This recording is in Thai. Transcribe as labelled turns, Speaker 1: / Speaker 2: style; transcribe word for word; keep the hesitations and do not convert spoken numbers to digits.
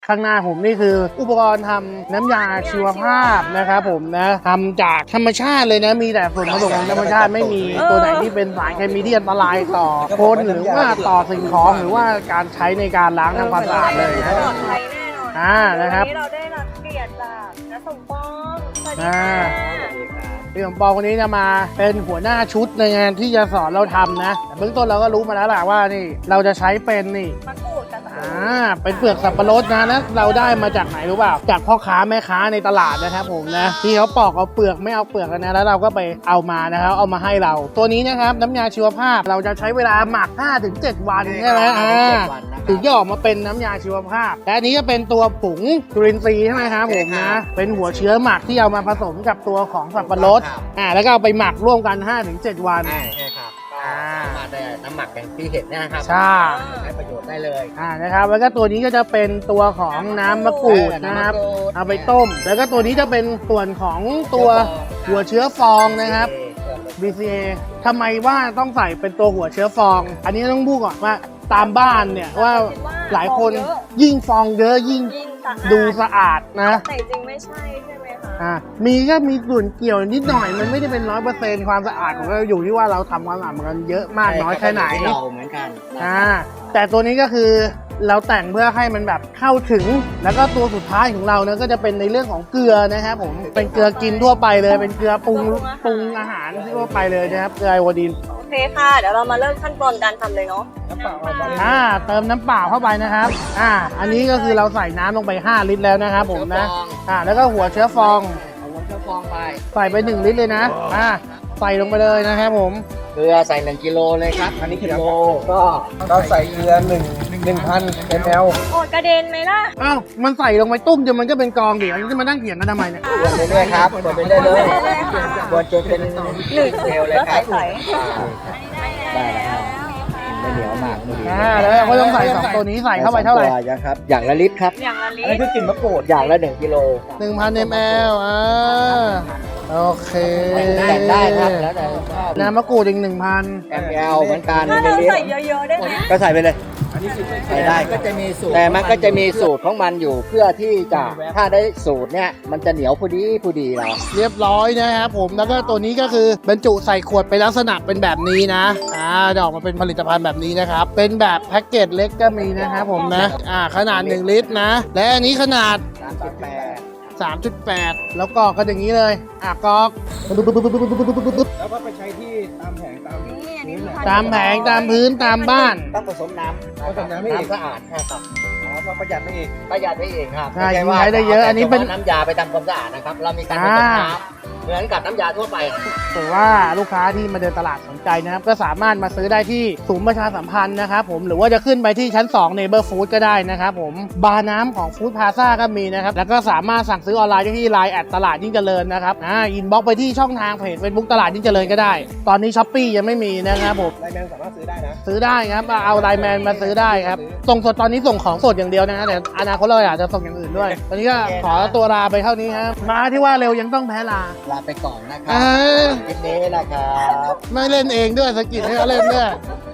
Speaker 1: ข้างหน้าผมนี่คืออุปกรณ์ทำน้ำยาชีวภาพนะครับผมนะทำจากธรรมชาติเลยนะมีแต่ส่วนผสมของธรรมชาติไม่มีตัวไหนที่เป็นสารเคมีที่อันตรายต่อคนหรือว่าต่อสิ่งของหรือว่าการใช้ในการล้างทำความสะอาดเลยนะ
Speaker 2: ปลอดภัยแน่นอน
Speaker 1: อ่านะครับ
Speaker 2: วันนี้เราได้รับเกียรติจากน้าสมปองสวัสดี
Speaker 1: อ่า
Speaker 2: ค่ะ
Speaker 1: พี่สมปองคนนี้จะมาเป็นหัวหน้าชุดในงานที่จะสอนเราทำนะแต่เบื้องต้นเราก็รู้มาแล้วแหละว่านี่เราจะใช้เป็นนี่
Speaker 2: มะกรูดกับสับปะร
Speaker 1: อ่า
Speaker 2: ด
Speaker 1: เป็นเปลือกสับปะรดนะนะเราได้มาจากไหนรู้เปล่าจากพ่อค้าแม่ค้าในตลาดนะครับผมนะที่เขาปอกเอาเปลือกไม่เอาเปลือกกันนะแล้วเราก็ไปเอามานะครับเอามาให้เรา ตัวนี้นะครับน้ำยาชีวภาพเราจะใช้เวลาหมัก ห้าถึงเจ็ด วันใช่ไหมอ่าถึงจะออกมาเป็นน้ำยาชีวภาพและอันนี้จะเป็นตัวผงจุลินทรีย์ใช่ไหมครับผมนะเป็นหัวเชื้อหมักที่เอามาผสมกับตัวของสับปะรดอ่าแล้วก็เอาไปหมักร่วมกัน ห้าถึงเจ็ด วัน
Speaker 3: ใช่ใช่ครับก็สามารถได้น้ำหมักอย่างที่เห็นเนยนะครับ
Speaker 1: ใช่
Speaker 3: ใช้ประโยชน์ได้เลย
Speaker 1: อ่านะครับแล้วก็ตัวนี้ก็จะเป็นตัวของน้ำมะกรูดนะครับ
Speaker 3: น้ำมะกรูด
Speaker 1: เอาไปต้ม แล้วก็ตัวนี้จะเป็นส่วนของตัวหัวเชื้อฟองนะครับ บี ซี เอ ทำไมว่าต้องใส่เป็นตัวหัวเชื้อฟอง อันนี้ต้องพูดก่อนว่าตามบ้านเนี่ยว่าหลายคนยิ่งฟองเยอะยิ่ง
Speaker 2: ยิ่งสะอาด
Speaker 1: ดูสะอาดนะ
Speaker 2: แต่จริงไม่ใช่ใช่ไหมคะ
Speaker 1: อ่ามีก็มีส่วนเกี่ยวนิดหน่อยมันไม่ได้เป็นร้อยเปอร์เซ็นต์ความสะอาดของเราอยู่ที่ว่าเราทำความสะอาดมันเยอะมากน้อยแค่ไหน
Speaker 3: เราเหมือนกันนะ
Speaker 1: อ่าแต่ตัวนี้ก็คือเราแต่งเพื่อให้มันแบบเข้าถึง แล้วก็ตัวสุดท้ายของเราเนี่ยก็จะเป็นในเรื่องของเกลือนะครับผมเป็นเกลือกินทั่วไปเลย เป็นเกลือปรุงปรุงอาหารทั่วไปเลยนะครับเกลือไอโอดีน
Speaker 2: โอเคค่ะเดี๋ยวเรามาเริ่มขั้นตอนการทำเลยเนาะ
Speaker 1: อ่าเติมน้ำเปล่าเข้าไปนะครับอ่าอันนี้ก็คือเราใส่น้ำลงไปห้าลิตรแล้วนะครับผมนะอ่าแล้วก็หัวเชื้อฟอง
Speaker 3: เอาหัวเชื้อฟองไป
Speaker 1: ใส่ไปหนึ่งลิตรเลยนะอ่าใส่ลงไปเลยนะครับผม
Speaker 3: เกลือใส่หนึ่งกิโลเลยครับอันนี้กิโลก็
Speaker 4: เราใส่เกลือหนึ่งหนึ่งพันมล
Speaker 2: โอ้ยกระเด็นไหมล่ะ
Speaker 1: อ้าวมันใส่ลงไปตุ้มจนมันก็เป็นกองเดี๋ยวจะมานั่งเถียงกันทำไมเนี่ย
Speaker 3: กวนไปเรื่อยครับกวนไปเรื่อยเลยกวนจนเป็น
Speaker 2: หนึ่ง
Speaker 3: เซลล์เลย
Speaker 2: แล้ว
Speaker 3: ครับ
Speaker 2: ใส่
Speaker 3: ได้แล้วครับไม่เหนียวมากไม่ดี
Speaker 1: อ่าแล้วเราก็ต้องใส่สองตัวนี้ใส่เข้าไปเท่าไหร่
Speaker 3: สองตัวนะครับอย่างละลิตรครับ
Speaker 2: อย่างละลิ
Speaker 4: อันนี้
Speaker 2: ตร
Speaker 4: คือกลิ่นมะกรูด
Speaker 3: อย่างละหนึ่งกิโล
Speaker 1: หนึ่งพันมลอ่าโอเค
Speaker 3: แต่งได้ครับแล้วแต่ชอบ
Speaker 1: น้ำมะกรูดอีกหนึ่งพัน
Speaker 3: แอมแอลเหมือนกัน
Speaker 2: ถ้า
Speaker 3: ใน
Speaker 2: เรา
Speaker 3: ลิต
Speaker 2: ใส่
Speaker 3: ร
Speaker 2: เยอะๆได้ไหม
Speaker 3: ก็ใส่ไปเลย
Speaker 4: อันนี้คือ
Speaker 3: ใส่ได้ก็จะมีสูตรแต่มันก็จะมีสูตรของมันอยู่เพื่อที่จะถ้าได้สูตรเนี่ยมันจะเหนียวพอดีพอดีเรา
Speaker 1: เรียบร้อยนะครับผมแล้วก็ตัวนี้ก็คือบรรจุใส่ขวดเป็นลักษณะเป็นแบบนี้นะอ่าจะออกมาเป็นผลิตภัณฑ์แบบนี้นะครับเป็นแบบแพ็กเกจเล็กก็มีนะครับผมนะอ่าขนาดหนึ่งลิตรนะและอันนี้ขนาด
Speaker 3: สามสิบแปด
Speaker 1: สามจุดแปด แล้วกรอกก็อย่างนี้เลยอ่ะกรอก
Speaker 4: แล้วก็ไปใช้ที่ตามแผงตาม
Speaker 2: นี่อันนี้คือ
Speaker 1: ตามแผงตามพื้นตามบ้าน
Speaker 3: ต้องผสมน้ำ
Speaker 4: ผสมน้ำให้อีก
Speaker 3: น้ำสะอาดครับ
Speaker 4: อ๋อก็ประหยัดไม่อีก
Speaker 3: ประหยัดได้เองครับ
Speaker 1: ใช่
Speaker 3: ม่ว่า
Speaker 1: ใช้ได้เยอะอันนี้เป็น
Speaker 3: น้ำยาไปทำความสะอาดนะครับเรามีการผสม
Speaker 1: อ่า
Speaker 3: น้ำเหมือนกับน้ำยาทั่วไป
Speaker 1: ถือว่าลูกค้าที่มาเดินตลาดสนใจนะครับก็สามารถมาซื้อได้ที่ศูนย์ประชาสัมพันธ์นะครับผมหรือว่าจะขึ้นไปที่ชั้นสอง Neighbor Food ก็ได้นะครับผมบาร์น้ำของ Food Plaza ก็มีนะครับแล้วก็สามารถสั่งซื้อออนไลน์ได้ที่ ไลน์ แอดตลาดยิ่งเจริญนะครับอ่าอินบ็อกไปที่ช่องทางเพจ Facebook ตลาดยิ่งเจริญก็ได้ ตอนนี้ Shopee ยังไม่มีนะครับผม
Speaker 4: ไลน์แมนสามารถซื้อได้นะ
Speaker 1: ซื้อได้ครับเอาไลน์แมนมาซื้อได้ครับส่งสดตอนนี้ส่งของสดอย่างเดียวนะฮะแต่อนาคตเราอยากจะส่งอย่างอื่นด้วยตอนนี้ก็ขอตัวลาไปเท่านี้ครับมาที่ว่าเร็วยังต้องแพ้ลา
Speaker 3: ลาไปก่อนนะค
Speaker 1: เอ
Speaker 3: รับ
Speaker 1: อ
Speaker 3: คลิปนี้นะครับ
Speaker 1: ไม่เล่นเองด้วยสกิดให้เขาเล่นด้วย